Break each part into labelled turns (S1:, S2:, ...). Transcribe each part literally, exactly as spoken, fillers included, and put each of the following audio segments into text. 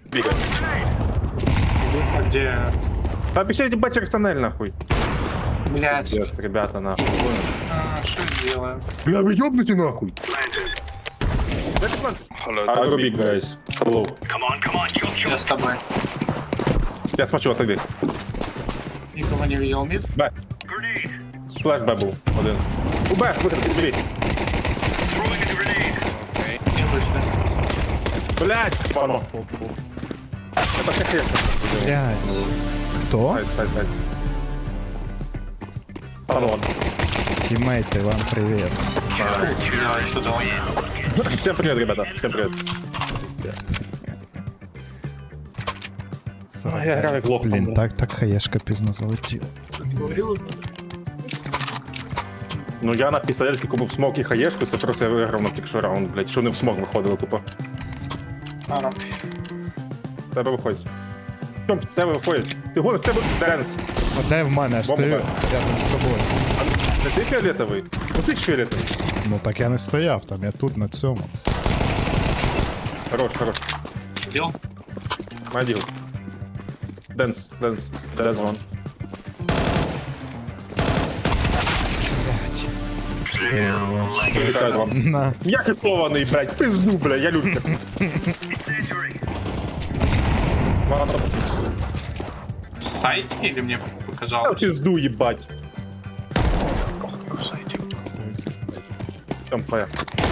S1: Бегай.
S2: А где?
S1: Да обещайте бать через тоннель, нахуй.
S2: Блять.
S1: Пиздец, ребята, нахуй.
S2: А, что делаем?
S1: Бля, вы ёбнуте, нахуй.
S3: Hello.
S1: I go big, guys. Hello.
S2: Я с тобой.
S1: Я смотрю, отойди.
S2: Никого не видел мид?
S1: Б. Флэш Б был. Один. У Б, выход, двери.
S2: Не вышли.
S1: Блять, пано. Это как я.
S4: Блять. Кто?
S1: Сайт, сайт, сайт. Пано.
S4: Тиммейты, вам привет.
S2: Я еще дал.
S1: Всем привет, ребята. Всем привет. А, я граю глох.
S4: Блін, так, так хаєшка пізно залетіла.
S2: Говорил?
S1: Ну я на пістолетки купив смок і хаєшку, це просто я виграв на тільки раунд, блядь. Що не в смок виходило тупо.
S2: Ара.
S1: В тебе виходить. Тьом, в тебе виходить. Ти гониш, в тебе денс.
S4: А де в мене? Я стою
S1: Бомба.
S4: рядом з тобою.
S1: Це ти фіолетовий? Ну ти ж фіолетовий.
S4: Ну так я не стояв там, я тут на цьому.
S1: Хорош, хорош.
S2: Дел?
S1: Маділ. Денс, денс. Денс вон.
S4: Блять.
S1: Прилетять вам.
S4: На.
S1: Я хитований, блядь, пизду, блядь, я люблю. Ладно,
S2: В сайте или мне
S1: я
S2: показалось?
S1: пизду, ебать.
S2: В сайте.
S1: Тьом, твоя.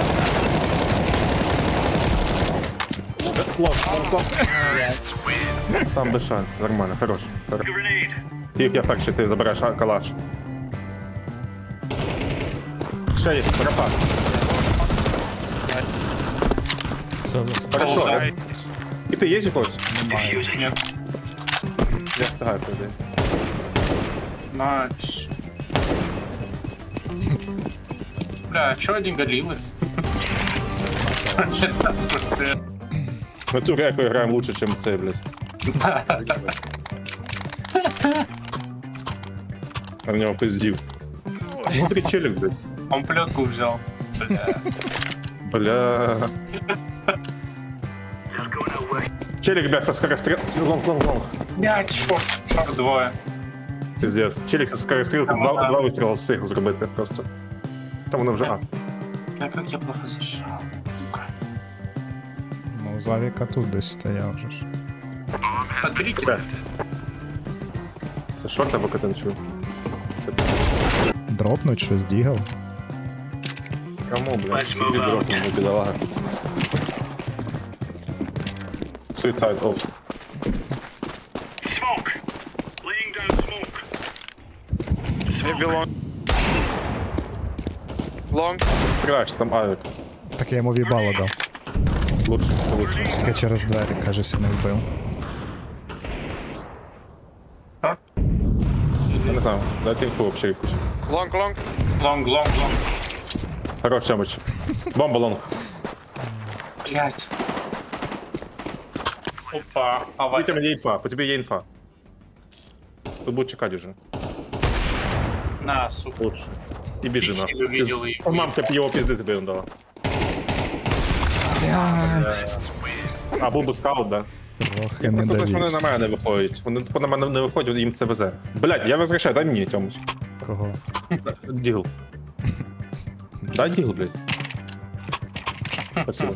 S1: Лом, лом, лом. Там без шанс, нормально, хорош. хорош. Тіп, я перший, ти забереш а, калаш. Ще є, рафа. Хорошо.
S2: Ползай.
S1: І ти є якось?
S2: Нет.
S1: Я встигаю туди.
S2: Найс. Бля, чё один галилы?
S1: Ми цю реку граємо лучше, ніж цей, блядь. А в нього пиздів. Внутрі челік, блядь.
S2: Он плетку взял. Бля.
S1: Бля. Челик, бля, со скорострел... Лонг, лонг, лонг.
S2: Блять, шорт. Шорт двое.
S1: Пиздец. Челик со скорострелки
S2: Там,
S1: два,
S2: да.
S1: два вистріли встиг зробити просто. Там воно вже А.
S2: Бля, как я плохо зашел. Сука.
S4: Ну, Завіка тут десь стояв вже ж.
S2: Подберите.
S1: Бля. Це шорт або катанчу?
S4: Дропнуть щось, дігав.
S1: Кому, бля? Тобі дропнув, не бідолага. Suicide off.
S3: Maybe long. Long.
S1: Стріляєш, там авік.
S4: Так я йому в'їбало дав.
S1: Лучше, це лучше.
S4: Тільки через двері, кажеться, не вбив.
S1: Я не знаю, дайте інфу вообще якусь.
S3: Long, long.
S2: Лонг, лонг, лонг.
S1: Хорош, чемоч. Бомба лонг.
S2: Блять. Опа. А
S1: По тебе є інфа, по тебе є інфа. Тут будуть чекати вже.
S2: на, сука.
S1: Лучше. І біжи
S2: Пиксель
S1: нахуй.
S2: увидел и...
S1: О, мамка б його пізди тобі дала.
S4: Блять.
S1: А, був би скаут, да?
S4: Трохи не
S1: Просто те, що вони на
S4: довівся.
S1: мене не виходять. Вони тупо на мене не виходять, їм це везе. Блядь, я возвращаю, дай мені, Тьомич.
S4: Кого?
S1: Дігл. Дай дігл, блядь. Спасибо.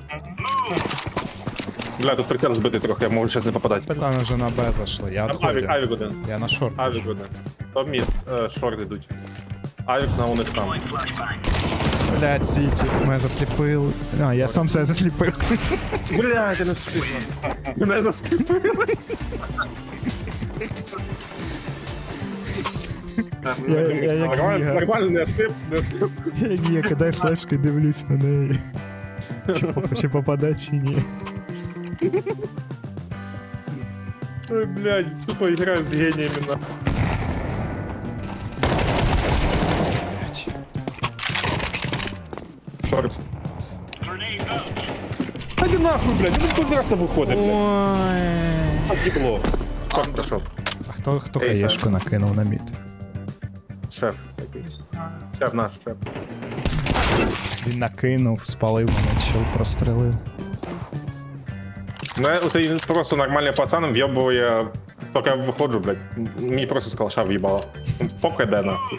S1: Бля, тут прицел збитий трохи, я можу зараз не попадати.
S4: Там вже на Б зайшли, я
S1: Там авік,
S4: відходжу.
S1: авік один.
S4: Я на шорт.
S1: Авік один. Там мід, е, шорт йдуть. Авік на у них там.
S4: Блять, Сіті, мене засліпили. А, я сам себе засліпив.
S1: Блядь, я не встиг. Мене засліпили.
S4: Я, я, як
S1: Нормально,
S4: Гіга.
S1: нормально, не сліп, не сліп.
S4: Я як Гіга, кидаю флешку і дивлюсь на неї. Чи, поп- чи попаде, чи ні.
S1: Ой, блядь, тупо играю с гениями, на. Шорт. Та не нахуй, блядь, ну квадратно виходить, блядь.
S4: Ой.
S1: Подібло. Шорт пройшов.
S4: А хто, хто
S1: Ей,
S4: хаєшку накинув на мід?
S1: Шеф якийсь. Шеф наш, шеф.
S4: Він накинув, спалив мене, чел прострелив.
S1: Мене оцей просто нормальний пацан в'єбує, поки я виходжу, блядь. Мені просто з калаша в'їбало. Поки де нахуй.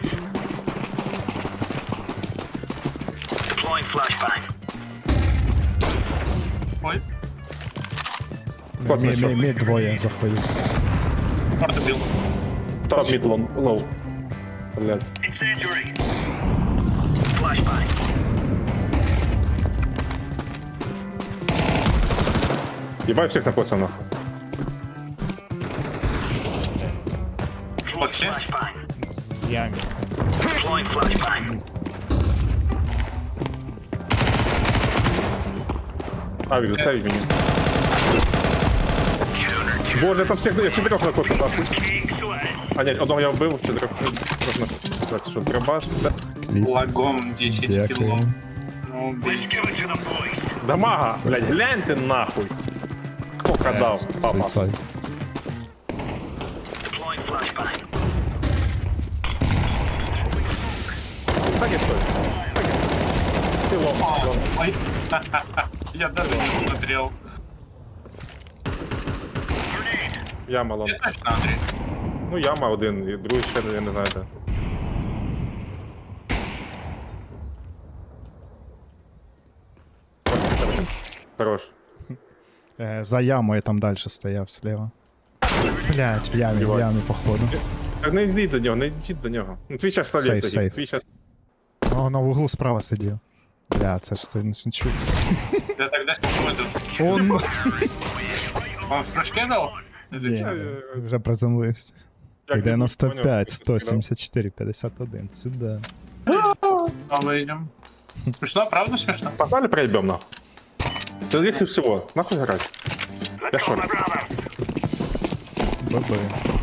S2: Ой,
S1: Хто це
S4: Мі,
S1: що?
S4: мі, мі двоє заходять.
S2: морду бил.
S1: Топ мід лон, лоу. Блядь. Ебай всех на пацанах.
S2: Фокси.
S4: З ямі.
S1: А, вижу, ставить меня. Боже, это всех, я четырех на коцу, нахуй. А, нет, одного я убил, четырех. Можно сказать, что дробаш. Да.
S2: Лагом десять
S4: Дякую.
S2: кило. Ну, блин.
S1: Дамага, блядь, глянь ты нахуй. Кто кадал, папа?
S4: Суїцай.
S1: Так и стой. Так и. Село, лом.
S2: Ой. Я даже не смотрел.
S1: Яма, лом.
S2: Я точно, Андрей.
S1: Ну, яма один, і другий ще, я не знаю, де. Хорош.
S4: Е, за ямою там далі стояв слева. Блять, в ямі, в
S1: Єбать.
S4: ямі, походу.
S1: Так не йди до нього, не йди до нього. Ну, твій час
S4: Сейф,
S1: століться,
S4: сейф.
S1: твій час.
S4: О, на вуглу справа сидів. Бля, це ж це не чуть.
S2: Я тогда смотрю.
S4: Он
S2: Он в прыжке дал? Или
S4: Ні,
S2: чё?
S4: вже приземлився.
S1: Як не
S4: дев'яносто
S1: поняв,
S4: п'ять,
S1: як
S4: сто
S1: ти
S4: сімдесят чотири, п'ятдесят один. Сюди.
S2: А мы идем. Смешно, правда смешно?
S1: Погнали проебем нахуй. Це легче всего. Нахуй грати. Я шорт.
S4: Баби.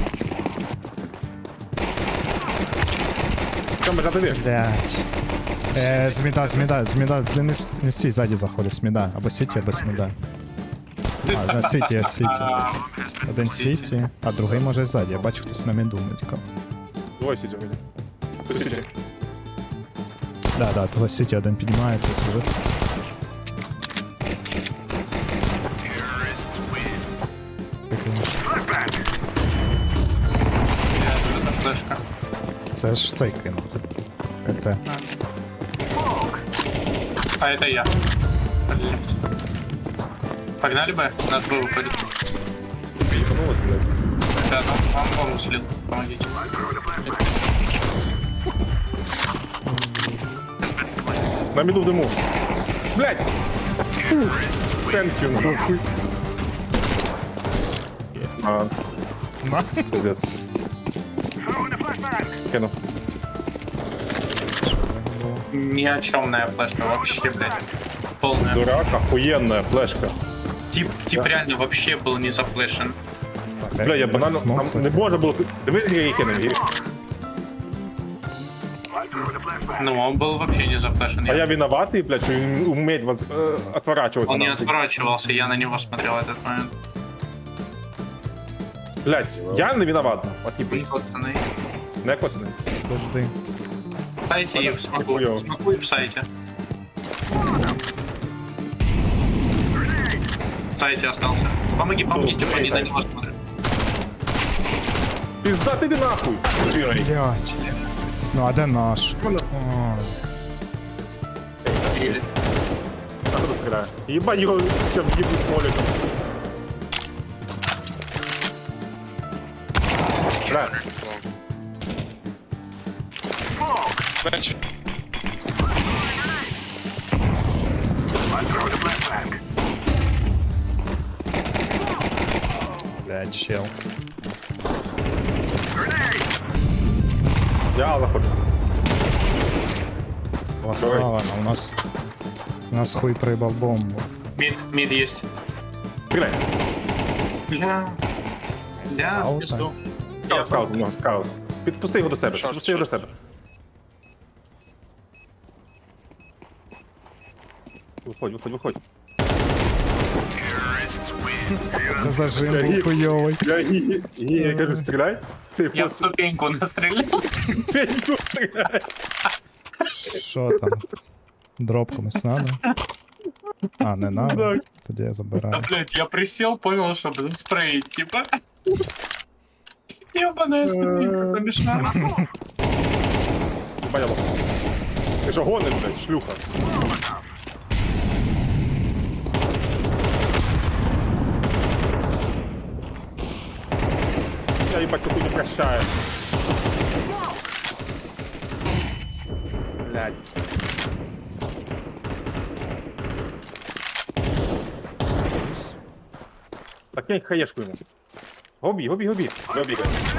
S1: Камера довір.
S4: Блять. Е, зміда, зміда, зміда. Не, не, не сій, ззаді заходить, сміда. Або сіті, або сміда. А, на сіті, я сіті.
S2: А,
S4: Один сіті, а другий може ззаді. Я бачу, хтось на міду митькав.
S1: Двоє сидів мені. Ти сидів.
S4: Да, да, того сіті один піднімається, сидить.
S2: я тут эта флешка.
S4: Це ж цей кинув. КТ.
S2: А это я. Блин. Погнали бы, нас бы выходит.
S1: Їбанулось, блядь.
S2: Да, там он бомбу слил. Помогите.
S1: На міду в диму. Блядь! Thank you, нахуй. А,
S4: На.
S1: пиздец. Кину.
S2: Ни о чемная флешка вообще, блядь. Полная.
S1: Дурак, охуенная флешка.
S2: Тип, тип реально вообще был не зафлешен.
S1: Бля, я банально,
S4: Смок,
S1: нам не можна було... Дивись, як я її кинув. і-
S2: Ну, он был вообще не зафлешен.
S1: А я виноватый, блядь, что не уметь вас э, отворачиваться.
S2: Он не
S1: нахуй.
S2: отворачивался, я на него смотрел в этот момент.
S1: Блядь, я не виноват. От не
S2: Блин, пацаны.
S1: Не коцаний.
S4: Подожди.
S2: В сайте и в смоку.
S1: Хуёво.
S2: В смоку и в сайте. В сайте остался. Помоги, помоги, типа не на него смотрят.
S1: Пизда, ти йди нахуй. Сірий.
S4: Блять. Ну, а де наш? О,
S2: Или.
S1: Так хто стріляє? Єбать його, все, в'їбуть смоликом. Бля,
S3: Bench.
S4: блять, чел.
S1: я заходжу.
S4: Слава, у нас... У нас хуй проїбав бомбу.
S2: Мид, мид есть.
S1: Стріляй.
S2: Бля. Бля,
S4: Скаута.
S2: в пизду.
S1: Скаут, скаут, ну, скаут. Підпусти його до себе,
S3: Шорт,
S1: підпусти його до
S3: шорт.
S1: себе. Виходь, виходь, виходь.
S4: Це зажим був хуйовий.
S1: Я, я, я, я кажу, стріляй. Це
S2: Я в
S1: просто
S2: ступеньку настрелял.
S1: пеньку стріляй.
S4: Що там? Дроп комусь надо? А, не надо?
S1: Так.
S4: Тоді я
S2: Да,
S4: забираю.
S2: блядь, я присел, понял, что буду спреить, типа. Ебаная ступенька помешала.
S1: Понял. Ти ж гониш, блядь, шлюха. Я їбать таку не прощаю. Блядь. Так я хаєшку йому. Гобі, гобі, гобі. Гобі,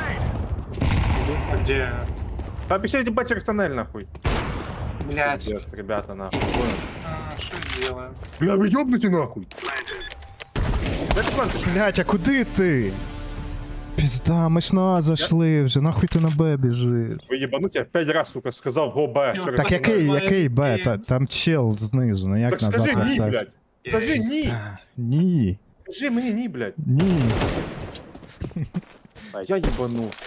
S2: А где?
S1: Та пішли їбать через тоннель, нахуй.
S2: Блядь.
S1: Пиздец, ребята, нахуй.
S2: А, что я делаю?
S1: Бля, ви ёбнуті, нахуй. Дайте план, ти ж
S4: Блять, а куди ти? Пізда, ми ж на А зайшли вже, нахуй ти на Б біжиш.
S1: ви їбануті, я п'ять раз, сука, сказав го Б.
S2: Йо,
S1: через
S4: Так
S1: тоннель.
S4: який,
S2: Нормально.
S4: який Б? Та, там чел знизу, ну як
S1: Так
S4: назад
S1: скажи ні,
S4: вертатися?
S1: блядь. Скажи ні.
S4: Та, Ні,
S1: Скажи мені ні, блядь.
S4: ні.
S1: А я їбанувся.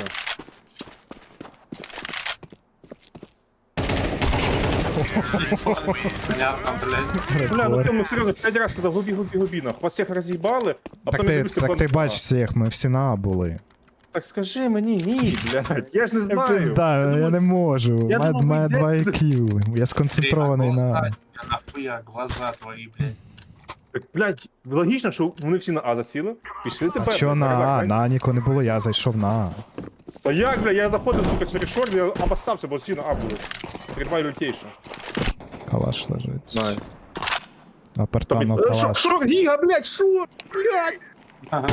S2: Понятно, блядь.
S1: Бля, ну ти ну серйозно, п'ять раз сказав губі, губі, губі, нахуй. Вас всіх роз'їбали, а
S4: Так
S1: потім
S4: ти,
S1: дивишся,
S4: так ти
S1: бан-
S4: бач всіх, ми всі на А були.
S1: Так скажи мені ні, блядь, я ж не знаю.
S4: Пизда, я не можу.
S1: Я
S4: Має
S1: думав,
S4: має
S1: ви
S4: два
S1: йдете.
S4: ай кью. Я сконцентрований
S2: Глаза
S4: на.
S2: тебя нахуя, глаза твои, блядь.
S1: Так, блядь, логічно, що вони всі на А засіли. Пішли
S4: А
S1: тебе.
S4: чо на А? На А нікого не було, я зайшов на А.
S1: Та як, бля, я заходив, сука, через шорт, я обоссався, бо всі на А були. Тридвай лютейше.
S4: Калаш лежить.
S1: Найс.
S4: Апартану
S1: Тобі- Е,
S4: калаш.
S1: Шорт, гіга, блядь, шорт, блядь.
S2: Ага.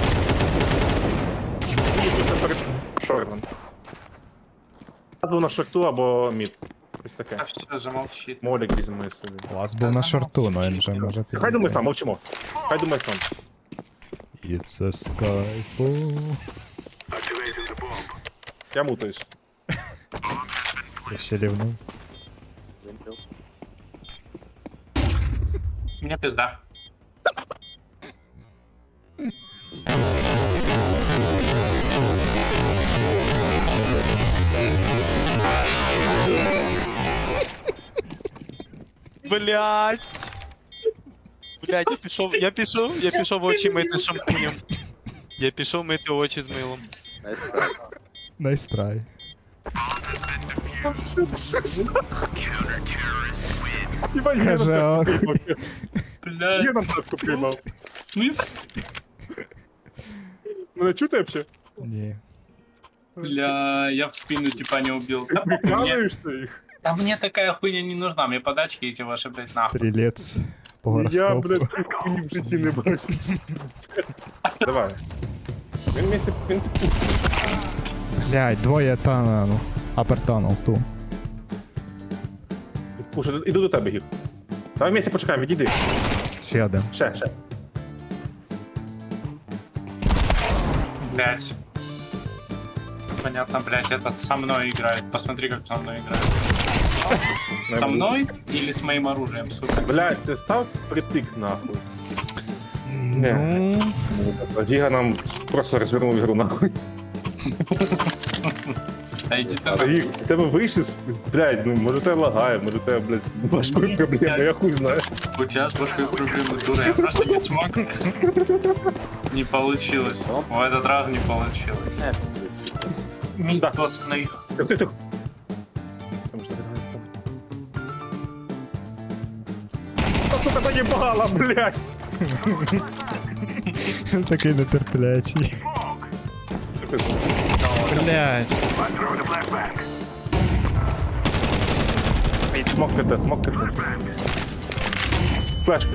S1: Ні, це перед шортом. Назву на шорту або мід. Ось таке.
S2: А все, замолчит.
S1: Молік візьми собі.
S4: Лас був на шорту, но він вже може піти.
S1: Хай думай сам, мовчимо. Хай думай сам.
S4: It's a skyfall.
S1: Я мутаюсь.
S4: Я ще рівнув.
S2: Мне пизда.
S5: Блять. Блять, я пішов, я пішов, я пішов очі мити шампунем. Я пішов мити очі з милом.
S4: Найс трай.
S1: Єбать, я
S4: Каже,
S1: на
S4: ох.
S1: татку приймав.
S2: Блядь.
S1: Я на татку приймав.
S2: Ну, еб-
S1: Мене чути вообще?
S4: Ні.
S2: Бля, я в спину типа не убил. Да, мне,
S1: Прикалуєш ти їх?
S2: да мне такая хуйня не нужна, мне подачки эти ваши, блядь, нахуй.
S4: Стрілець по
S1: Я,
S4: гороскопу.
S1: блядь, ні в житті не бачу. Давай. Він місце, він
S4: Блять, двоє та ну. Апертанул ту.
S1: Пуша, іду до тебе, Гів. Давай місце почекаємо, відійди.
S4: Ще один.
S1: Ще, ще.
S2: Блядь. Понятно, блядь, этот со мной играет. Посмотри, как со мной играет. Со мной или с моим оружием, сука?
S1: Блядь, ти став притик нахуй.
S4: Ну,
S1: Гіга нам просто розвернув ігру нахуй.
S2: Да иди ты
S1: А
S2: нахуй.
S1: Гіг, в тебе вийшли, з- блядь, ну може тебе лагає, може тебе, блядь, важкої проблеми, я хуй знаю.
S2: У тебя с башкой проблемы, дура, я просто не смог. Не получилось. В этот раз не получилось. Мид,
S1: Да.
S2: пацаны.
S1: Тихо, тихо, тихо. Там що, Та, сука, заїбала, блядь!
S4: такий нетерплячий. Блять.
S1: Смок КТ, смок КТ. Флешка.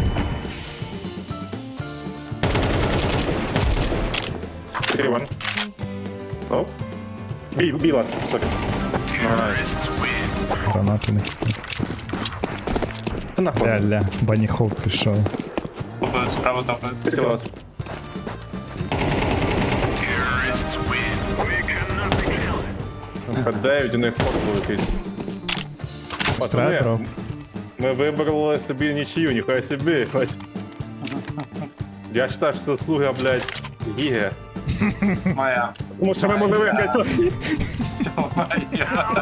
S1: Криван. Оп. Бій, бій ласт, сорі. Найс.
S4: Гранати не хитив.
S1: Нахуй.
S4: Ля-ля, баніхоп пішов.
S2: Топают справа, топают.
S1: Після вас. Х дев'ять, у них форт був якийсь. Пацани,
S4: Стратро.
S1: ми вибрали собі нічию, ніхай собі. Ось. Я вважаю, що це слуга, блядь, Гіги.
S2: Моя.
S1: Тому що ми могли виграти.
S2: Все, моя.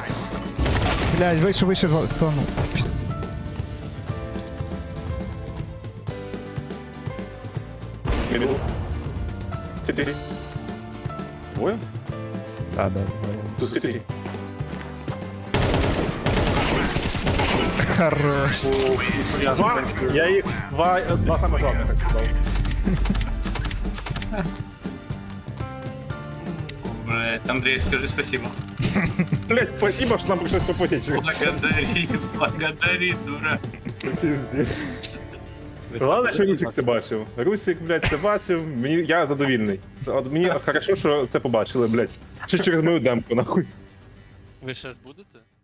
S4: Блять, вийшов, вийшов, тону.
S1: Мідл. Сіті. Двоє?
S4: Да, да.
S1: Тут сіті.
S4: Хорош.
S1: Два, я їх два, два саме главних сказав.
S2: Блядь, Андрей, скажи спасибо.
S1: Блять, спасибо, що нам пришлось попотеть.
S2: Благодари, благодари, дура.
S1: Пиздец. Ладно, що Русик це бачив. Русик, блядь, це бачив. Мені, я задовільний. Це, от мені хорошо, що це побачили, блядь. Ще через мою демку, нахуй.
S5: Ви ще ж будете?